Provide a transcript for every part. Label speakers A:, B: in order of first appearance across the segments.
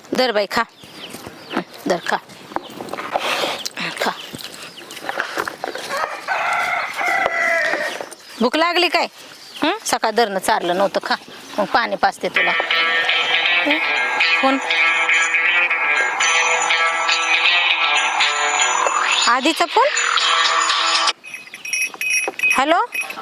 A: धर बाई खा. धर खा खा. भूक लागली काय? सकाळ धरणं चारलं नव्हतं. खा मग पाणी पाजते तुला. कोण? आधीचा फोन. हॅलो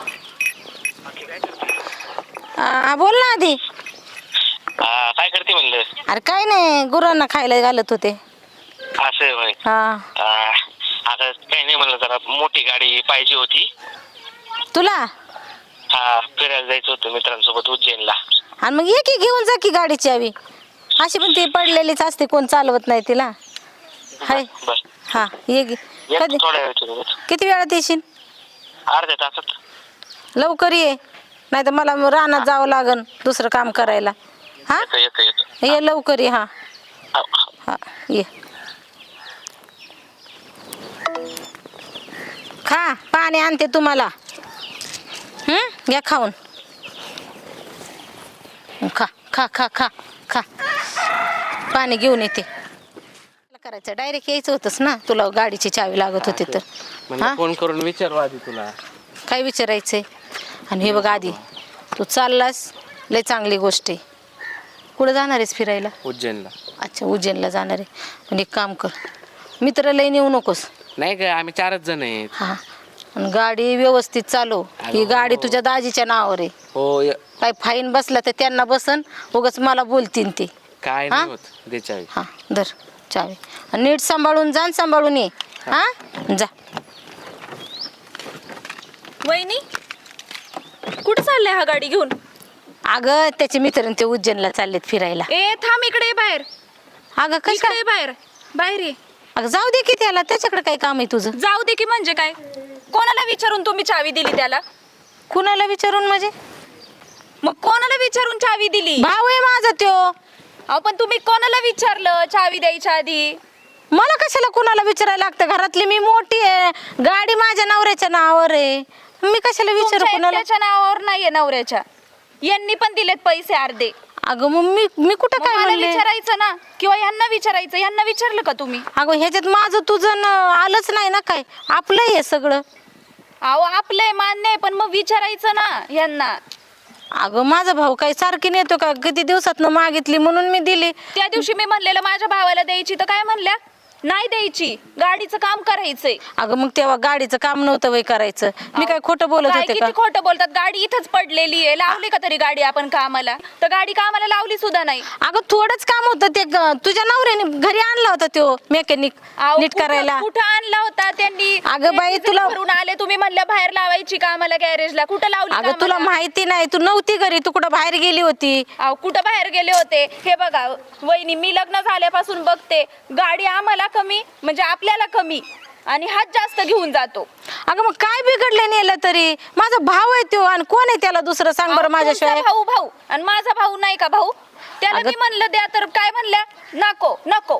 A: बोल ना आधी.
B: काय करते म्हणलं?
A: अरे काय नाही, गुरांना खायला घालत होते.
B: असं होय. आता काही नाही म्हणलं, जरा मोठी गाडी पाहिजे होती.
A: तुला?
B: हा, फिरायला जायचं होतं मित्रांसोबत उज्जैनला.
A: आणि मग ये की घेऊन जा की गाडीची हवी. अशी पण ती पडलेलीच असते, कोण चालवत नाही तिला. हाय
B: बस
A: हा ये गी. कधी?
B: थोड्या वेळ.
A: किती वेळात येशील?
B: अर्ध्या तासात.
A: लवकर ये, नाही तर मला रानात जावं लागन दुसरं काम करायला. हा
B: येतो.
A: ये लवकर ये. हा हा ये. खा, पाणी आणते तुम्हाला. घ्या खाऊन. खा खा खा खा खा. पाणी घेऊन येते. करायचं डायरेक्ट यायचं होतंस ना, तुला गाडीची चावी लागत होती तर. हा,
C: फोन करून विचारू आधी तुला
A: काय विचारायचंय. आणि हे बघ आधी, तू चाललास लय चांगली गोष्ट आहे. कुठं जाणार आहेस फिरायला?
C: उज्जैनला.
A: अच्छा, उज्जैनला जाणार आहे. पण एक काम कर, मित्र लय नेऊ नकोस.
C: नाही ग, आम्ही 4च जण आहेत.
A: हा, आणि गाडी व्यवस्थित चालव. ही गाडी तुझ्या दाजीच्या नावावर आहे.
C: हो.
A: काय फाईन बसला तर त्यांना बसन, उगाच मला बोलतीन ते.
C: काय नाही होत, दे चावी.
A: हा धर चावी. आणि नीट सांभाळून जा, सांभाळून ये. हा जा.
D: वहिनी कुठं चाललंय हा गाडी घेऊन?
A: अगं त्याचे मित्र ते उज्जैनला चाललेत फिरायला.
D: ए थांब, इकडे ये बाहेर.
A: अगं कसं?
D: इकडे ये बाहेर. बाहेर ये.
A: अगं जाऊ दे की त्याला, त्याच्याकडे काय काम आहे तुझं?
D: जाऊ दे की म्हणजे काय? कोणाला विचारून तुम्ही चावी दिली त्याला?
A: कुणाला विचारून म्हणजे?
D: मग कोणाला विचारून चावी दिली?
A: भाऊ आहे माझा त्यो.
D: अहो पण तुम्ही कोणाला विचारलं चावी द्यायच्या आधी?
A: मला कशाला कुणाला विचारायला लागतं? घरातली मी मोठी आहे, गाडी माझ्या नवऱ्याच्या नावावर आहे, मी कशाला विचारू
D: तुमच्या
A: कुणाला?
D: एकट्याच्या नावावर नाहीये नवऱ्याच्या. यांनी पण दिलेत पैसे अर्धे.
A: अगं मग मी कुठं
D: मग
A: काय
D: मला
A: म्हणले?
D: विचारायचं ना, किंवा यांना विचारायचं. यांना विचारलं का तुम्ही?
A: अगं ह्याच्यात माझं तुझं आलंच नाही ना काय. आपलं हे सगळं.
D: अहो आपलंय मान्य आहे, पण मग विचारायचं ना यांना.
A: अगं माझा भाऊ काही सारखी नेतो का? किती दिवसात मागितली म्हणून मी दिली.
D: त्या दिवशी मी म्हणलेलं माझ्या भावाला द्यायची, तर काय म्हणल्या? नाही द्यायची, गाडीचं काम करायचंय.
A: अगं मग तेव्हा गाडीचं काम नव्हतं वय करायचं. मी काय खोटं बोलत
D: काय
A: होते का?
D: किती खोटं बोलतात. गाडी इथंच पडलेली आहे. लावली का तरी गाडी आपण कामाला? तर गाडी कामाला लावली सुद्धा नाही.
A: अगं थोडंच काम होतं ते. तुझ्या नवऱ्याने घरी आणला होता तो मेकॅनिक
D: अहो,
A: नीट करायला.
D: कुठं आणला होता त्यांनी?
A: अगं बाई,
D: डिझेल
A: तुला-
D: भरून आले तुम्ही, म्हणल्या बाहेर लावायची कामाला गॅरेजला. कुठं लावली
A: अगं तुला
D: कामाला?
A: माहिती नाही, तू नव्हती घरी, तू कुठं बाहेर गेली होती.
D: अहो कुठं बाहेर गेले होते? हे बघा वहिनी, मी लग्न झाल्यापासून बघते गाडी आम्हाला कमी म्हणजे आपल्याला कमी, आणि हात जास्त घेऊन जातो.
A: अगं मग काय बिघडलं नेलं तरी? माझा भाऊ आहे तो, आणि कोण आहे त्याला दुसरं सांग बरं माझ्याशिवाय?
D: तुमचा भाऊ आणि माझा भाऊ नाही का भाऊ? त्याला मी म्हणलं द्या, तर काय म्हणल्या? नको नको.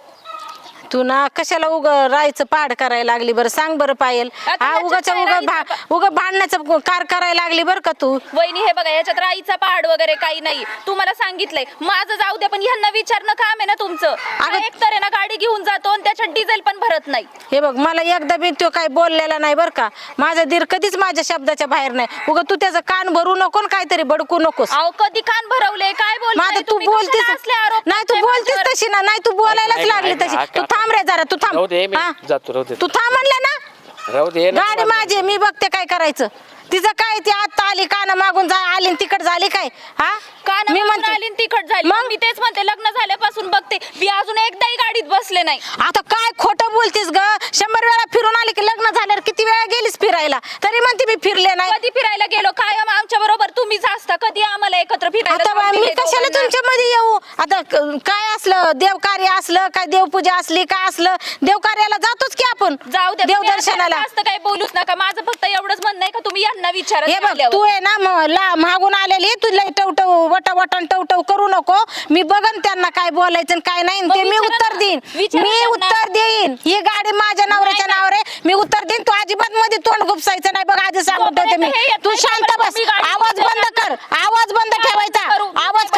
A: तू ना कशाला राहायचं पाड करायला लागली बरं? सांग बरं पायल.
D: आता
A: हा
D: ह्याच्यात काय राहायचं?
A: भांडण्याचं कार करायला लागली बरं का तू?
D: वहिनी हे बघा, याच्यात राईचा पहाड वगैरे काही नाही. तुम्हाला सांगितलंय माझं जाऊ द्या, पण ह्यांना विचारणं काम आहे ना तुमचं.
A: अगं-
D: एक तर आहे ना, गाडी घेऊन जातो आणि त्याच्यात डिझेल पण भरत नाही.
A: हे बघ, मला एकदा बी तो काय बोललेला नाही बरं का. माझा दीर कधीच माझ्या शब्दाच्या बाहेर नाही. तू त्याचं कान भरू नको आणि काहीतरी बडकू नकोस.
D: अहो कधी कान भरवले? काय
A: माझं
D: बोलताय
A: तू
D: तुम्ही?
A: बोलतीस
D: कशाला असले आरोप
A: नाही, तू
D: करताय
A: बोलतीस
D: माझ्यावर?
A: तशी ना. नाही, तू बोलायलाच
C: ऐक,
A: लागली
C: ऐक,
A: तशी.
C: ऐक,
A: तू थांब रे जरा, तू थांब.
C: राहू दे, मी
A: हा?
C: जातो. राहू दे,
A: तू थांब म्हणलं ना.
C: राहू दे ना.
A: गाडी माझी, मी बघते काय करायचं. तिचं काय, ती आता आली काना मागून आली तिकड झाली काय? हा
D: कान
A: मी
D: मागून
A: म्हणते
D: आली आणि तिखट झाली.
A: मग?
D: मी तेच म्हणते, लग्न झाल्यापासून बघते मी अजून एकदाही गाडीत बसले नाही.
A: आता काय खोटं बोलतीस ग? 100 वेळा फिरून आली की लग्न झाल्यावर किती वेळा गेलीस फिरायला? तरी म्हणते मी फिरले नाही.
D: कधी फिरायला गेलो? कायम आमच्या बरोबर तुम्हीच असता. कधी आम्हाला एकत्र फिरायला
A: आता
D: जाऊन
A: मी
D: दिले
A: कशाला
D: दोघांना?
A: तुमच्या मध्ये येऊ? आता काय असलं देवकार्य असलं, काय देवपूजा असली, काय असलं देवकार्याला जातोच की आपण.
D: जाऊ द्या, तुम्ही आता
A: देवदर्शनाला.
D: जास्त काही बोलूच नका. माझं फक्त एवढंच म्हणणं आहे का तुम्ही यांना विचारा.
A: हे बघ, तू आहे ना मागून आलेली, तू लय टवटव वटावटन टवटव करू नको. मी बघन त्यांना काय बोलायचं आणि काय नाही,
D: मग
A: ते मी
D: विचारा
A: उत्तर
D: ना.
A: देईन.
D: विचारा
A: मी
D: त्यांना.
A: उत्तर देईन. ही गाडी माझ्या नवऱ्याच्या नावावर आहे, मी उत्तर देईन. तू अजिबात मध्ये तोंड गुपसायचं नाही बघ, आधी सांगून ठेवते मी.
D: जोपर्यंत हे येत
A: तू
D: नाही,
A: शांत
D: तोपर्यंत
A: बस.
D: मी गाडी
A: आवाज बंद कर, आवाज बंद ठेवायचा.
D: करू.
A: आवाज खाली कर.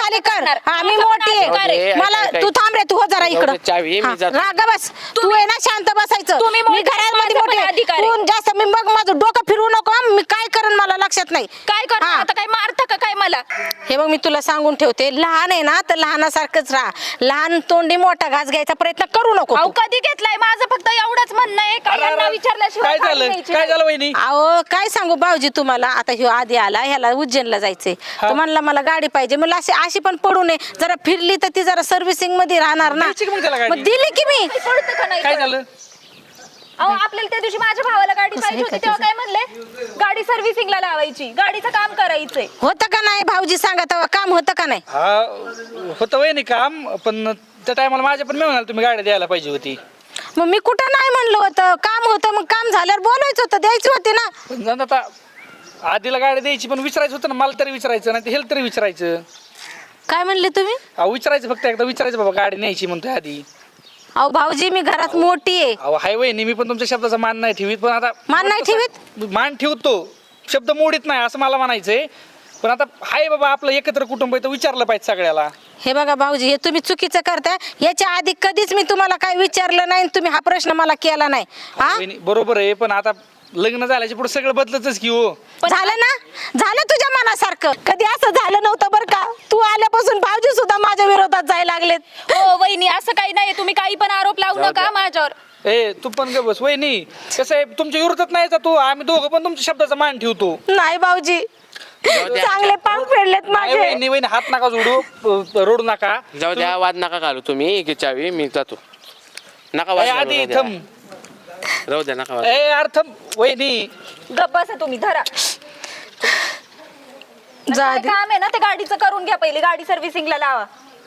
D: करणार.
A: हा मी
D: माझा पण
A: मोठी
D: अधिकार
A: आहे
D: आहे.
A: मला
C: ऐक, ऐक,
A: तू
C: ऐक.
A: थांब रे तू हो जरा
C: जाऊ
A: इकडं
C: दे, चावी आहे, मी
A: हा,
C: जातो.
A: रागा बस तू आहे ना शांत बसायचं
D: तुम्ही
A: मी
D: मोठे,
A: घरामध्ये
D: माझा पण
A: मोठी
D: अधिकार आहे.
A: तू जास्त मी बघ माझं डोकं फिरवू नको हं. मी काय करेन मला लक्षात नाही
D: काय करणार
A: हा.
D: आता? काय मारता का काय मला?
A: हे बघ मी तुला सांगून ठेवते लहान आहे ना तर लहानासारखंच राहा लहान तोंडी मोठा घास घ्यायचा प्रयत्न करू नको
D: अहो
A: तू.
D: कधी घेतलाय? माझं फक्त एवढंच म्हणणं आहे का यांना विचारल्याशिवाय
E: काय
D: गाडी
E: झालं
D: न्यायची
E: काय
D: नाही.
E: झालं वहिनी
A: अहो काय सांगू भाऊजी तुम्हाला आता ह्यो आधी आला ह्याला उज्जैनला जायचंय तर म्हणला मला गाडी पाहिजे मला अशी पण पडू नये जरा फिरली तर ती जरा सर्व्हिसिंग मध्ये राहणार ना
E: द्यायची का मग त्याला गाडी?
A: मग दिली की मी
D: काही कळतं का नाही
E: काय
D: कळत?
E: झालं
D: अहो आपल्याला त्या दिवशी माझ्या भावाला गाडी
A: कसं
D: पाहिजे
A: आहे
D: होती
A: का
D: तेव्हा काय म्हणले? गाडी सर्व्हिसिंगला लावायची, गाडीचं काम करायचंय.
A: होतं का नाही भाऊजी सांगा तेव्हा काम होतं का नाही
E: हा होतं वहिनी काम पण त्या टायमाला माझ्या पण मी म्हणाल तुम्ही गाडी द्यायला पाहिजे होती
A: मग मी कुठं नाही म्हणलं होतं काम होतं मग काम झाल्यावर बोलायचं होतं द्यायची होती ना
E: पण जाऊन आता आधीला गाडी द्यायची पण विचारायचं होतं ना मला तरी विचारायचं नाही हेल तरी विचारायचं
A: काय म्हणले तुम्ही
E: अहो विचारायचं फक्त एकदा विचारायचं बाबा गाडी न्यायची म्हणतोय आधी
A: अहो भाऊजी मी घरात मोठी आहे
E: अहो हाय वहिनी मी पण तुमच्या शब्दाचा मान नाही ठेवीत पण आता
A: मान नाही ठेवीत?
E: मान ठेवतो शब्द मोडीत नाही असं मला म्हणायचंय पण आता हाय बाबा आपलं एकत्र कुटुंब आहे तर विचारलं पाहिजे सगळ्याला
A: हे बघा भाऊजी हे तुम्ही चुकीचं करताय याच्या आधी कधीच मी तुम्हाला काय विचारलं नाही आणि तुम्ही हा प्रश्न मला केला नाही हा
E: वहिनी, बरोबर आहे पण आता लग्न झाल्याच्या पुढे सगळं बदलतच की हो
A: झालं ना झालं तुझ्या मनासारखं कधी असं झालं नव्हतं बरं का तू आल्यापासून भाऊजी सुद्धा माझ्या विरोधात जायला लागलेत
D: हो वहिनी असं काही नाही, तुम्ही काही पण आरोप लावू नका माझ्यावर.
E: ए तू पण ग बस वहिनी कसं आहे तुमच्या विरोधात नाही तू आम्ही दोघं पण तुमच्या शब्दाचा मान ठेवतो
A: नाही भाऊजी चांगले पांग फेडलेत
E: नाही
A: माझे
E: वहिनी वहिनी हात नका जोडू रडू नका
C: जाऊ द्या वाद नका घालू तुम्ही की चावी मी जातो नका वाद
E: ए,
C: घालू,
E: आधी
C: राहू द्या.
E: थम
C: राहू द्या नका वाद.
E: ए अर्थ वहिनी
D: गप्प बसा तुम्ही, धरा.
A: जा
D: काय
A: आधी.
D: काम आहे ना ते गाडीचं करून घ्या, पहिले गाडी सर्व्हिसिंगला लावा.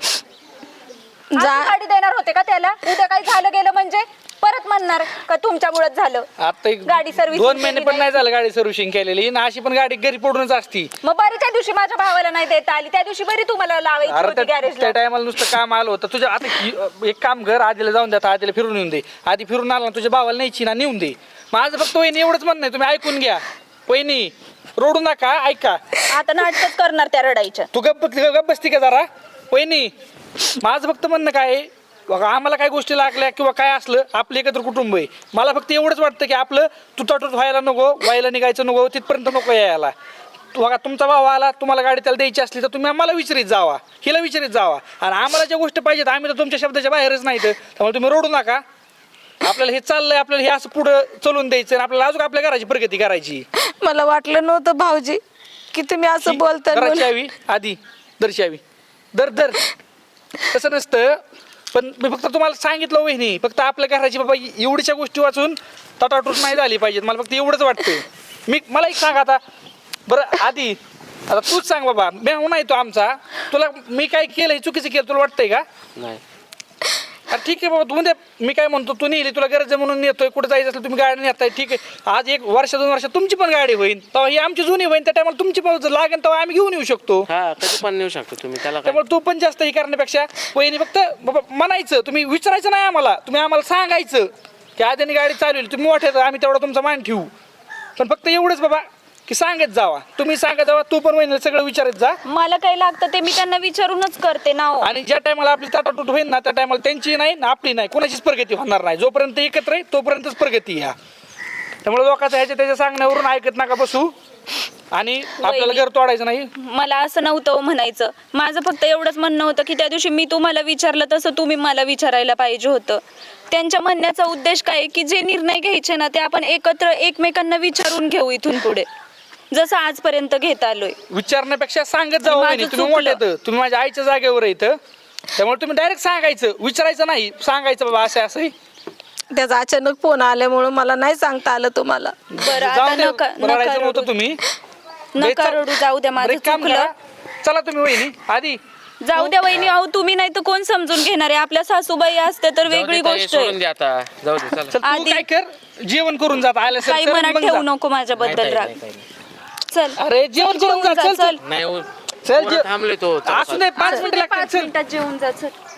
A: जा
D: अशी गाडी देणार होते का त्याला? उद्या काही झालं गेलं म्हणजे परत म्हणणार का तुमच्यामुळेच झालं.
E: आता एक
D: गाडी servicing
E: 2 महिने
D: केली
E: पण नाही
D: नाही.
E: झालं गाडी सर्व्हिसिंग केलेली आणि अशी पण गाडी घरी पडूनच असती
D: मग बरी त्या दिवशी माझ्या भावाला नाही देता आली, त्या दिवशी बरी तुम्हाला लावायची
E: अरे
D: होती
E: त्या
D: गॅरेजला.
E: टायमाला नुसतं काम आलं होतं तुझ्या आता एक काम घर आधीला जाऊन द्या आधीला फिरून येऊन दे आधी फिरून आला ना तुझ्या भावाला न्यायची ना नेऊन दे माझं फक्त वहिनी एवढंच म्हणणं आहे तुम्ही ऐकून घ्या वहिनी रडू नका ऐका
D: आता नाटकच करणार त्या रडायच्या.
E: तू गप्प बसती का जरा वहिनी माझं फक्त म्हणणं काय आहे, बघा, आम्हाला काय गोष्टी लागल्या किंवा काय असलं आपलं एकत्र कुटुंब आहे मला फक्त एवढंच वाटतं की आपलं तुटाटूट व्हायला नको व्हायला निघायचं नको तिथपर्यंत नको यायला बघा तुमचा भाव आला तुम्हाला गाडी त्याला द्यायची असली तर तुम्ही आम्हाला विचारित जावा हिला विचारित जावा आणि आम्हाला ज्या गोष्टी पाहिजेत आम्ही तर तुमच्या शब्दाच्या बाहेरच नाही तर त्यामुळे तुम्ही रडू नका आपल्याला हे चाललंय आपल्याला हे असं पुढं चलून द्यायचं आणि आपल्याला अजून आपल्या घराची प्रगती करायची
A: मला वाटलं नव्हतं भाऊजी की तुम्ही असं बोलता म्हणून.
E: घराची यावी आधी दर्शावी दर तसं नसतं पण मी फक्त तुम्हाला सांगितलं वहिनी फक्त आपल्या घराची बाबा एवढीच्या गोष्टी वाचून तटाटूट नाही झाली पाहिजेत मला फक्त एवढंच वाटतं मला एक सांग आता बरं आधी आता तूच सांग बाबा मेहू नाही तो आमचा तुला मी काय केलं चुकीचं केलं तुला वाटतंय का
C: नाही
E: अरे ठीक आहे बाबा तू म्हणजे मी काय म्हणतो तू नेली तुला गरज आहे म्हणून नेतोय कुठं जायचं असलं तुम्ही गाडी नेताय ठीक आहे आज 1 वर्ष 2 वर्ष तुमची पण गाडी होईल तेव्हा ही आमची जुनी होईल त्या टायमाला तुमची पण लागेल तेव्हा आम्ही घेऊन येऊ शकतो
C: हा कधी पण नेऊ शकतो तुम्ही त्याला काय
E: त्यामुळे तू पण जास्त हे करण्यापेक्षा वहिनी फक्त बाबा म्हणायचं तुम्ही विचारायचं नाही आम्हाला तुम्ही आम्हाला सांगायचं की आधी गाडी चालवली तुम्ही मोठे आम्ही तेवढा तुमचा मान ठेवू पण फक्त एवढंच बाबा की सांगत जावा तुम्ही सांगत जावा तू पण वहिनीला सगळं विचारत जा
D: मला काही लागतं ते मी त्यांना विचारूनच करते ना हो.
E: आणि ज्या टायमाला आपली ताटाटूट होईल ना त्या टायमाला त्यांची नाही ना आपली नाही कोणाचीच प्रगती होणार नाही जोपर्यंत एकत्र आहे तोपर्यंतच प्रगती ह्या त्यामुळे लोकांचं ह्याच्या त्याच्या सांगण्यावरून ऐकत नका बसू आणि आपल्याला घर तोडायचं नाही
D: मला असं नव्हतं हो म्हणायचं, माझं फक्त एवढंच म्हणणं होतं की त्या दिवशी मी तुम्हाला विचारलं तसं तुम्ही मला विचारायला पाहिजे होतं. त्यांच्या म्हणण्याचा उद्देश काय की जे निर्णय घ्यायचे ना ते आपण एकत्र एकमेकांना विचारून घेऊ इथून पुढे जसं आजपर्यंत घेत आलोय.
E: विचारण्यापेक्षा सांगत जावं
D: माझं
E: वहिनी तुम्ही
D: चुकलं.
E: मोठे तुम्ही माझ्या आईच्या जागेवर इथं त्यामुळे तुम्ही डायरेक्ट सांगायचं विचारायचं नाही सांगायचं बाबा असं असं
A: त्याचा अचानक फोन आल्यामुळे मला नाही सांगता आलं तुम्हाला
D: बरं आता
E: जाऊ दे
D: नका
E: रडायचं
D: रडू.
E: नव्हतं तुम्ही
D: नका रडू, जाऊ द्या, माझं
E: बरं, एक काम
D: चुकलं.
E: करा. चला तुम्ही वहिनी आधी
D: जाऊ द्या वहिनी, अहो तुम्ही नाही तर कोण समजून घेणार आहे. आपल्या सासूबाई असते तर
C: जाऊ दे
D: वेगळी
C: ताई,
D: गोष्ट
C: सोडून
D: आहे.
C: द्या आता जाऊ दे चला
E: चल तू
D: आधी-
E: काय कर जेवण करून जात आल्या
D: काही मनात ठेवू नको माझ्याबद्दल राग. चल
E: अरे जेवण करून जा चल
D: चल
C: नाही हो,
E: चल
C: पोरं थांबले तो चला,
E: असू दे 5 मिनिटं लागतात
D: 5
E: चल
D: मिनिटात जेवून जा चल.